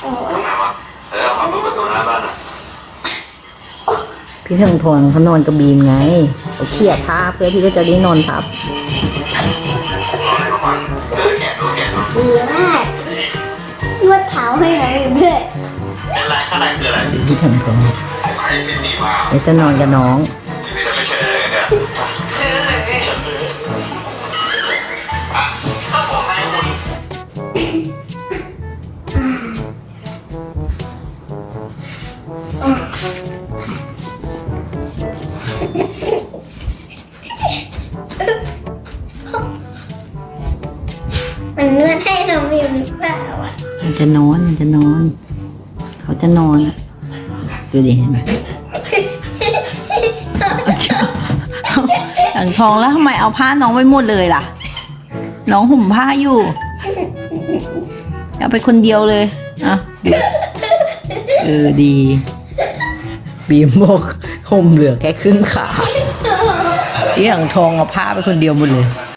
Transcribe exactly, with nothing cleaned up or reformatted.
ทำไงวะเออเอามาเปิดประตูหน้าบ้านอ่ะพี่เทิงทนเขานอนกับบีมไงเขาเขี่ยผ้าเพื่อพี่ก็จะได้นอนทับเอาอะไรมาฟังเออแกะดูแกะดูดีมากนวดเท้าให้น้องอยู่ด้วยเป็นไรข้างในคืออะไรพี่เทิงทนไอ้เป็นดีมาเดี๋ยวจะนอนกับน้องพี่จะไม่เฉยเลยเนี่ยเฉยเลยอ่ะถ้าผมให้คุณมันนวดให้น้องอยู่หรือเปล่าอ่ะมันจะนอนมันจะนอน เขาจะนอนอะดูดิเห็นไหมหลังทองแล้วทำไมเอาผ้าน้องไว้หมดเลยล่ะ น้องห่มผ้าอยู่เอาไปคนเดียวเลยอ่ะเออดี บีมบอกห่มเหลือแค่ครึ่งขาที่หลังทองเอาผ้าไปคนเดียวหมดเลย